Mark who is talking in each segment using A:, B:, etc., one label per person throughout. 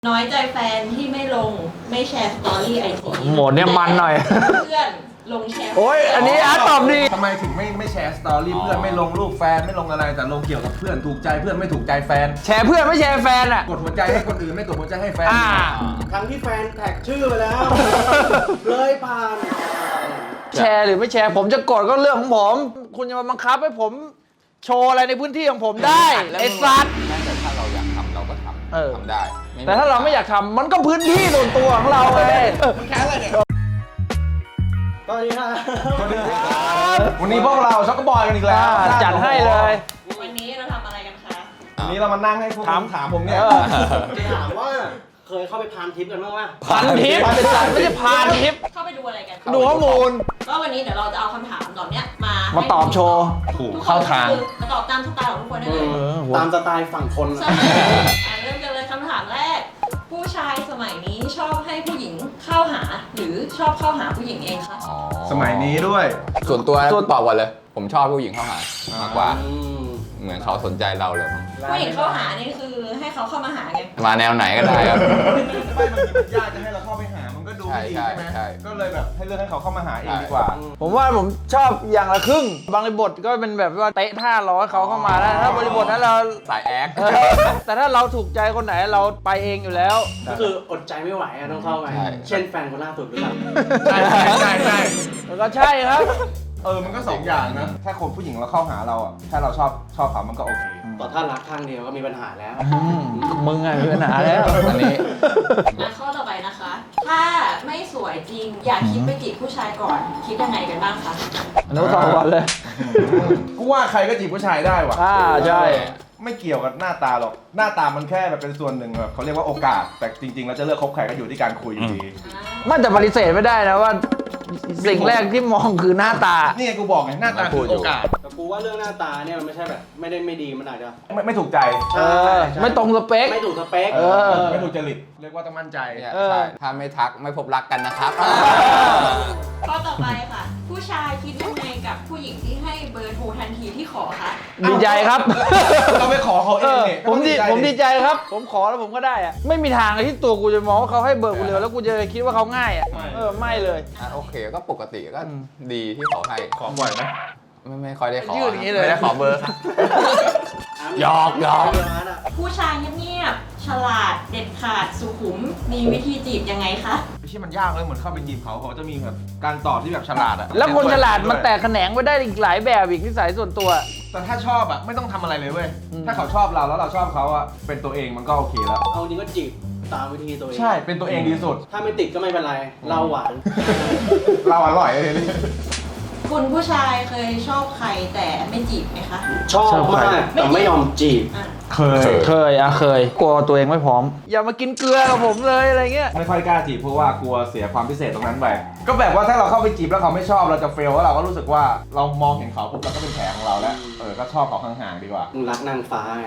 A: น้อยใจแฟนที่ไม่ลงไม่แชร์สตอรี่ไอจี
B: โหมดเนี่ยมันหน่อย
A: เพื่อนลงแชร์
B: โอ้ยอันนี้อาร์ตตอบดี
C: ทำไมถึงไม่แชร์สตอรี่เพื่อนไม่ลงรูปแฟนไม่ลงอะไรแต่ลงเกี่ยวกับเพื่อนถูกใจเพื่อนไม่ถูกใจแฟน
B: แชร์เพื่อนไม่แชร์แฟนอ่ะ
C: กดหัวใจให้คนอื่นไม่กดหัวใจให้แฟน
D: ครั้งที่แฟนแท็กชื่อไปแล้ว เลยผ่าน
B: แชร์หรือไม่แชร์ผมจะกดก็เรื่องของผม คุณจะมาบังคับให้ผมโชว์อะไรในพื้นที่ของผมได้ไอ้สัตว์
E: แต่ถ้าเราอยากทำเราก็ท
B: เออ
E: ำทำได้ไม่
B: แต่ถ้าเราไม่อยากทำมันก็พื้นที่ส่วนตัวของเราไง
D: แค่อะไรเนี่ยสวัสดีครับ
C: สวัสดีครับวันนี้พวกเราช็อกโกบอยกันอีกแล้ว
B: จัดให้เลย
A: วันนี้เราทำอะไรกันคะ
C: วันนี้เรามานั่งให้พวกถามผมเนี่ย
D: จะถามว่าเคยเข้าไปพานทิปกันบ้างไหม
B: พันทิปไม่ใช่พานทิป
A: เข้าไปดูอะไรกัน
B: ดูข้อมูล
A: ก็วันนี้เดี๋ยวเราจะเอาคำถามเหล่านี้มา
B: มา
A: ให้
B: ตอบโชว์
C: ถูก
A: ทุกคน
C: เข้าทาง
A: ก็คือมาตอบตามสไตล์ของทุกคนได้เลย
D: ตามสไตล์ฝั่งคน
A: ใช่เริ่มกันเลยคำถามแรก ผู้ชายสมัยนี้ชอบให้ผู้หญิงเข้าหา หรือชอบเข้าหาผู้หญิงเองคะ
E: อ๋อ
C: สมัยนี้ด้วย
E: ส่วนตัวตอบก่อนเลย ผมชอบผู้หญิงเข้าหามากกว่า เหมือนเขาสนใจเราเลยมั้ง
A: ผู้หญิงเข้าหานี่คือให้เขาเข้ามาหาไง
E: มาแนวไหนก็ได้ครับ
C: ไม่บางทีมันยากจะให้เราเข้าไปหามันก็ดูไม่ดี
E: ใช่
C: ใช่ไหม
E: ใช่
C: ก็เลยแบบให้เลือกให้เขาเข้ามาหาเองดีกว่า
B: ผมว่าผมชอบอย่างละครึ่ง บางบริบทก็เป็นแบบว่าเตะท่าร้อยเขาเข้ามาแล้วถ้าบริบทนั้นเรา
E: สายแอค
B: แต่ถ้าเราถูกใจคนไหนเราไปเองอยู่แล้ว
D: ก็คืออดใจไม่ไหวอะต้องเข้าไป
E: ใช่
D: เช่นแฟนคนล่าสุดหรือเปล่า
C: ใช่ใช่
B: แล้วก็ใช่ครับ
C: มันก็สองอย่างนะถ้าคนผู้หญิงเราเข้าหาเราอ่ะถ้าเราชอบเขามันก็โอเค
D: ต่อถ้ารักข้างเดียวก็มีปัญหาแล้ว
B: มึงไงมีปัญหาแล้ว
E: อันนี้
A: มาข้อต่อไปนะคะ ถ้าไม่สวยจริง อยากคิดไปจีบผู้ชายก่อน คิดยังไงกันบ้างคะ
B: อนุสาวรณ์เลย
C: กูว่าใครก็จีบผู้ชายได้ว่ะ
B: ใช่
C: ไม่เกี่ยวกับหน้าตาหรอก หน้าตามันแค่แบบเป็นส่วนหนึ่งแบบเขาเรียกว่าโอกาส แต่จริงๆแล้วจะเลือกคบใครก็อยู่ที่การคุยอยู่ดี
B: มันแต่ปฏิเสธไม่ได้นะว่า สิ่งแรกที่มองคือหน้าตา
C: นี่ไงกูบอกไงหน้าตาคือโอกาส
D: แต่กูว่าเรื่องหน้าตาเนี่ยมันไม่ใช่แบบไม่ได้ไม่ดีมันอาจจะ
C: ไม่ถูกใจ
B: เออ ไม่ตรงสเปค
D: ไม่ถูกสเปค
C: ไม่ถูกจริต เรียกว่าต้องมั่นใจ
E: เนี่ย
B: เออ
E: ใช่ถ้าไม่ทักไม่พบรักกันนะครับ
A: ข้อต่อไปค่ะ ผู้ชายคิดยังไงกับผู้หญิงที่ให้เบอร์โทรทันทีที่ขอคะ
B: ดีใจครับ
C: เราไปขอเขาเองเนี่ย
B: ผมดีใจครับ ผมขอแล้วผมก็ได้อะไม่มีทางเลยที่ตัวกูจะมองว่าเขาให้เบอร์กูเร็วแล้วกูจะคิดว่าเขาง่ายอ่ะไม่เลย
E: โอเคก็ปกติก็
B: อืม
E: ดีที่เขาให้
C: ขอบ่อยไหม
E: ไม่ค่อยได้ขอ
B: ยื่นอย่างนี้เลย
E: ไม่ได้ขอเบอร์ครับ หยอกหยอก
A: ผู้ชายเงียบๆฉลาดเด็ดขาดสุขุมมีวิธีจีบยังไงคะ
C: ไม่ใช่มันยากเลยเหมือนเข้าไปจีบเขาจะมีแบบการตอบที่แบบฉลาดอะ
B: แล้วคนฉลาดมันแตกแขนงไปได้อีกหลายแบบอีกนิสัยส่วนตัว
C: แต่ถ้าชอบอะไม่ต้องทำอะไรเลยเว้ย
B: อืม
C: ถ้าเขาชอบเราแล้วเราชอบเขาอะเป็นตัวเองมันก็โอเคแล้ว
D: เอาจริงก็จีบตามวิธีตัวเอง
C: ใช่ เป็นตัวเองดีสุด
D: ถ้าไม่ติดก็ไม่เป็นไร เราหวาน
C: เราอร่อยเลย
A: คุณผู้ชายเคยชอบใครแต่ไม่จีบไหมคะ
D: ชอบมากแต่ไม่ยอมจีบ
A: อ่ะ
C: เคย
B: เคยกลัวตัวเองไม่พร้อม อย่ามากินเกลือกับผมเลยอะไรเงี้ย
C: ไม่ค่อยกล้าจีบเพราะว่ากลัวเสียความพิเศษตรงนั้นไป ก็แบบว่าถ้าเราเข้าไปจีบแล้วเขาไม่ชอบเราจะเฟลว่าเราก็รู้สึกว่าเรามองเห็นเขาปุ๊บเราก็เป็นแผลของเราแล้ว ก็ชอบเขาห่างๆดีกว่า
D: มึงรักนางฟ้าไง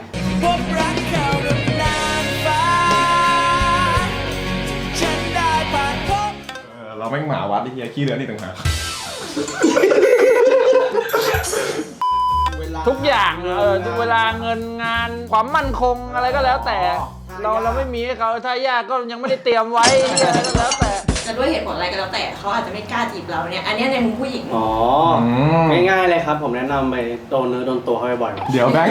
C: เราไม่งหมาวัดไอ้เหี้ยขี้เลือนนี่ต่างหาก
B: ทุกอย่างเวลาเงินงานความมั่นคงอะไรก็แล้วแต่ เราไม่มีให้เขาถ้ายากก็ยังไม่ได้เตรียมไว้อะไรก็แล้วแต่
A: จะด้วยเหตุผลอะไรก็แล้วแต่เขาอาจจะไม่กล้าจีบเราเนี่ย อันเนี้ยในมุมผู้หญิง
D: อ๋อ ง่ายๆเลยครับ ผมแนะนำไปโดนเนื้อโดนตัวเขาบ่อยๆ
C: เดี๋ยวแบงค์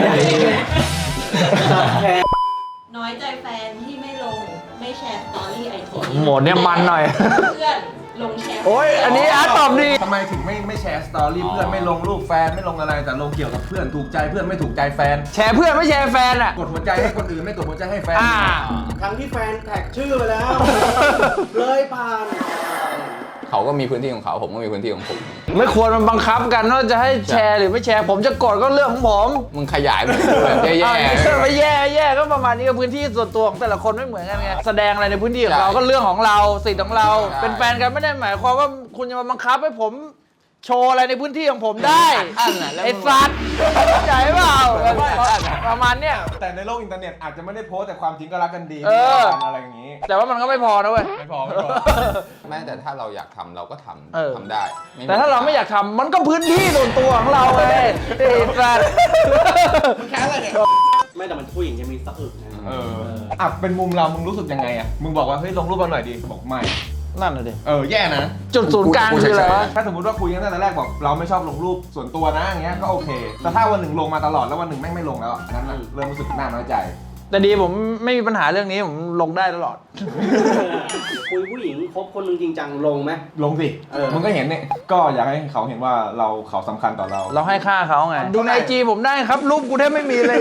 D: แค่
A: น้อยใจแฟนที่ไม่ลงไม่แชร์สตอรี่ไอจี
B: โหมดเนี่ยมันหน่อย
A: เพื่อนลงแชร์
B: โอ้ยอันนี้อาร์ตตอบดี
C: ทำไมถึงไม่แชร์สตอรี่เพื่อนไม่ลงรูปแฟนไม่ลงอะไรแต่ลงเกี่ยวกับเพื่อนถูกใจเพื่อนไม่ถูกใจแฟน
B: แชร์เพื่อนไม่แชร์แฟนอ่ะ
C: กดหัวใจให้คนอื่นไม่กดหัวใจให้แฟน
D: ครั้งที่แฟนแท็กชื่อไปแล้ว เลยผ่าน
E: เขาก็มีพื้นที่ของเขาผมก็มีพื้นที่ของผม
B: ไม่ควรมันบังคับกันว่าจะให้แชร์หรือไม่แชร์ ผมจะกดก็เรื่องของผม
E: มึงขยายไปแบบแย่
B: ไม่แย่ก็ประมาณนี้ก็พื้นที่ส่วนตัวของแต่ละคนไม่เหมือนกันไงแสดงอะไรในพื้นที่ของเราก็เรื่องของเราสิทธิ์ของเรา เป็นแฟนกันไม่ได้หมายความว่าคุณจะมาบังคับให้ผมโชว์อะไรในพื้นที่ของผมได้
E: อันน่ะแล้ว
B: ไอ้สัตว์เข้าใจเปล่าประมาณเนี้ย
C: แต่ในโลกอินเทอร์เน็ตอาจจะไม่ได้โพสต์แต่ความจริงก็รักกันดี
B: เออ
C: อะไรอย่างนี้
B: แต่ว่ามันก็ไม่พอนะเว้ย
C: ไม่พอ
E: แม้แต่ถ้าเราอยากทำเราก็ท
B: เออ
E: ำทำได้มี
B: แต่ถ้าเราไม่อยากทำมันก็พื้นที่ส่วนตัวของเราไงไอ้สัตว์
D: ไม่แต่มันผู้หญิงจะมีสะอึกนะ
C: อ่ะเป็นมุมเรามึงรู้สึกยังไงอ่ะมึงบอกว่าเฮ้ยลงรูปมาหน่อยดิบอกไม่
B: นั่นน่ะดิ
C: แย่นะ
B: จุดศูนย์กลางคืออะไรวะ
C: ถ้าสมมติว่าคุยกันตั้งแต่แรกบอกเราไม่ชอบลงรูปส่วนตัวนะอย่างเงี้ยก็โอเคแต่ถ้าวันหนึ่งลงมาตลอดแล้ววันหนึ่งแม่งไม่ลงแล้วอันนั้นน่ะเริ่มรู้สึกน่าน้อยใจ
B: แต่ดีผมไม่มีปัญหาเรื่องนี้ผมลงได้ตลอด
D: คุยผู้หญิงคบคนหนึงจริงจังลงไหม
C: ลงสิ มึงก็เห็นเนี่ยก็อยากให้เขาเห็นว่าเขาสำคัญต่อเรา
B: เราให้ค่าเขาไง ดูใน IG ผมได้ครับ รูปกูแทบไม่มีเลย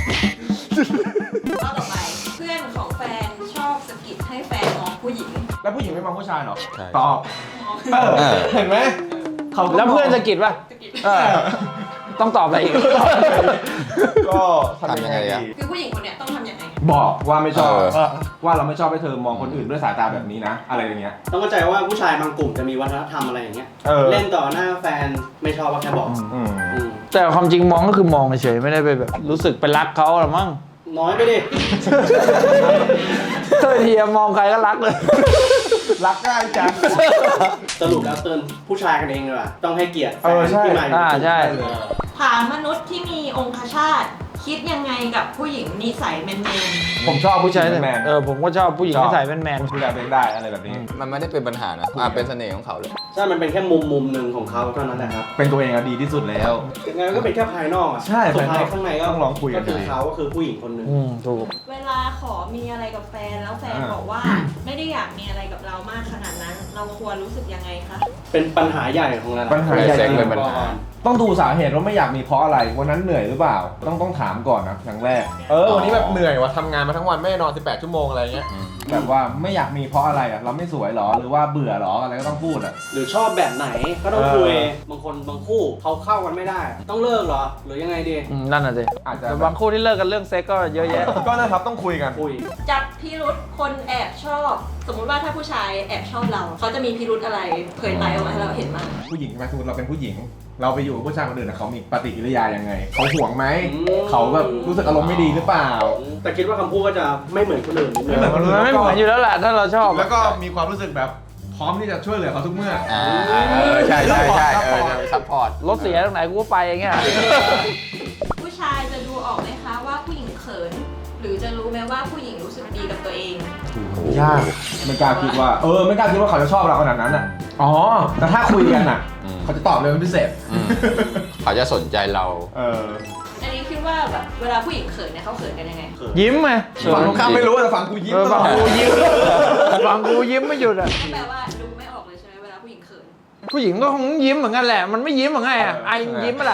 A: ข้อต่อไปเพื่อนของแฟนชอบสะกิดให้แฟนมองผู้หญิง
C: แล้วผู้หญิงไม่มองผู้ชายเหรอ
E: ใช่
C: ตอบ
A: มอง
C: เห็นไหมเขาก็
B: แล้วเพื่อนสะกิดป่ะ
A: สะกิด
B: เออ ต้องตอบอะไรอีก
C: ก็ทำยังไง
E: ทำยังไงอะ
C: ดี
A: คือผู้หญิงคนเนี้ยต้องทำยังไง
C: บอกว่าไม่ชอบ
E: เออ
C: ว่าเราไม่ชอบให้เธอมองคนอื่นด้วยสายตาแบบนี้นะ อะไรอย่างเงี้ย
D: ต้องเข้าใจว่าผู้ชายบางกลุ่มจะมีวัฒนธรรมอะไรอย่างเงี้ย เล่นต่อหน้าแฟนไม่ชอบว่าแค่บอก
C: อืม
D: อืม
B: แต่ความจริงมองก็คือมองเฉยๆไม่ได้ไปแบบ รู้สึกไปรักเขาหรอมั้ง
D: น้อยไปดิ
B: เฮ้ยทีมองใครก็รักเลย
C: รักได้จัง
D: สรุปแล้วเตือนผู้ชายกันเองดีกว่าต้องให้เกียรติแฟน
C: ใช่
D: ที่มาอยู่
B: ใช่
D: เออ
A: ถามมนุษย์ที่มีองคชาตคิดยังไงกับผู้หญิงนิสัยแมน
C: ผมชอบผู้
B: ใช่
C: ชายแมน
B: ผมก็ชอบผู้หญิงที่ใส่แมน
C: ดูแลตัวเองได้อะไรแบบนี้
E: มันไม่ได้เป็นปัญหานะเป็นเสน่ห์ของเขาเลย
D: ใช่มันเป็นแค่มุมหนึ่งของเขาเท่านั้นแหละครับ
C: เป็นตัวเองอะดีที่สุดแล้ว
D: ยังไงก็เป็นแค่ภายนอกอ่ะ
C: ใช่
D: สุดท้าย
C: ภายนอก
D: ข้างในก็
C: ต้องลองคุยกัน
D: ก็คือ
C: ดี
D: เขาก็คือผู้หญิงคนหนึ่ง
B: ถูก
A: ๆเวลาขอมีอะไรกับแฟนแล้วแฟนบอกว่า ไม่ได้อยากมีอะไรกับเรามากขนาดนั้น เราควรรู้สึกยังไงคะ
D: เป็นปัญหาใหญ่ของเรา
C: ปัญหาใหญ่
E: เซ็กเป็นปัญหา
C: ต้องดูสาเหตุว่าไม่อยากมีเพราะอะไร วันนั้นเหนื่อยหรือเปล่า ต้องถามก่อนนะอย่างแรก วันนี้แบบเหนื่อยว่ะทำงานมาทั้งวันไม่ได้นอน18 ชั่วโมงอะไรเงี้ย แบบว่าไม่อยากมีเพราะอะไรอ่ะ เราไม่สวยหรอ หรือว่าเบื่อหรอ อะไรก็ต้องพูดอ่ะ
D: หรือชอบแบบไหนก็ต้องคุยบางคนบางคู่เขาเข้ากันไม่ได้ ต้องเลิกเหรอ หรือยังไงดี
B: นั่นน่ะสิ
C: อาจจะ
B: แต่บางคู่ที่เลิกกันเรื่องเซ็กก็เยอะแยะ
C: ก็นะครับต้องคุยกัน
D: คุย
A: จับพิรุษคนแอบชอบ สมมุติว่าถ้าผู้ชายแอบชอบเรา เขาจะมีพิรุษอะไรเผยไตออกมาให้เราเห็นมั้ง
C: ผู้หญิงใช่ไหมสมมติเราเป็นผู้หญิง เราไปอยู่กับผู้ชายคนอื่นนะเขามีปฏิกิริยายังไง เขาห่วงไหม เขาแบบรู้สึกอารมณ์ไม่ดีหรือเปล่า
D: แต่คิดว่าคำพูดก็จะไม่เหมือนคนอื่นนิดนึง
C: ไม่เหมือนคนอื่
B: มันไม่เหมือนอยู่แล้วแหละถ้าเราชอบ
C: แล้วก็มีความรู้สึกแบบพร้อมที่จะช่วยเหลือเขาทุกเมื่อ
E: ใช่ซัพพอร์ต
B: รถเสียตรงไหนกูก็ไปอย่างเงี้ย
A: ผู้ชายจะดูออกไหมคะว่าผู้หญิงเขิน หรือจะรู้ไหมว่าผู้หญิงรู้สึกดีกับตัวเอง
C: ยากไม่กล้าคิดว่า ไม่กล้าคิดว่าเขาจะชอบเราขนาดนั้นอ่ะ อ๋อ แต่ถ้าคุยกันอ่ะ เขาจะตอบเลยเป็นพิเศษ
E: เขาจะสนใจเรา
A: อันนี้คิดว่าแบบเวลาผู้หญิงเขินเนี่ยเขาเขินกันยังไง
B: ยิ้มไง
C: ฝั่งตรงข้ามไม่รู้แต่ฝั่งกูยิ้มตล
B: ฝั่
C: อง ด
B: กูยิ้มฝั่งกูยิ้มไม่หยุดอ่ะ
A: ก็แปลว่าดูไม่ออกเลยใช่ไหมเวลาผู้หญิงเขิน
B: ผู้หญิงก็คงยิ้มเหมือนกันแหละ มันไม่ยิ้มเหมือนไงอ่ะไอยิ้มปะล่ะ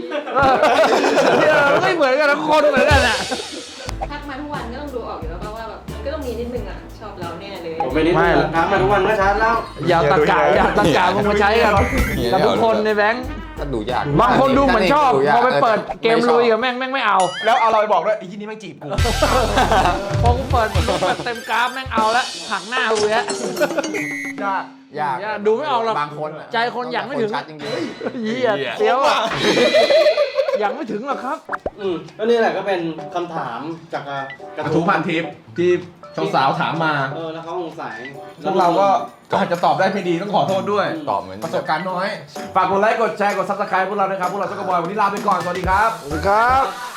B: มันไม่เหมือนกันนะคนเหมือนกันอ่ะ
A: ทักมาทุกวันก็ต้องดูออกอยู่แล้วป่ะว่าแบบมันก็ต้องมีนิดนึงอ่ะชอบเราแน่เลย
D: ผมไม่ได้ทักมาทุกวันก็ชัดแล้ว
B: อย่าตะกามึงมาใช้กันกับทุกคนในแบงค์
E: ก็ดูยาก
B: บางคนดูเหมือนชอบพอไปเปิดเกมลุยกับแม่งไม่เอา
C: แล้วเอาเราไปบอกด้วยไอ้ที่นี่ไม่จีบกู
B: พอกูเปิดเต็มกราฟแม่งเอาละหักหน้ากูแล้ว
C: ยาก
E: ยาก
B: ดูไม่ออกหรอก
E: บางคนอะ
B: ใจคนอยากไม่ถึง
E: ชัดจริง
B: เหี้ยเสียวอ่ะยังไม่ถึงหรอกครับ
D: ก็นี่แหละก็เป็นคำถามจากก
C: กระทู้พันทิปที่สาวๆถามมา
D: แล้วเขาสงสัย
C: พวกเราก็อาจจะตอบได้ไม่ดีต้องขอโทษด้วย
E: ๆตอบเหมือน
C: ประสบการณ์น้อย ฝากกดไลค์ กดแชร์ กด subscribe พวกเราด้วยครับ พวกเราต้องกระบอย วันนี้ลาไปก่อน สวัสดีครับ
B: สวัสดีครับ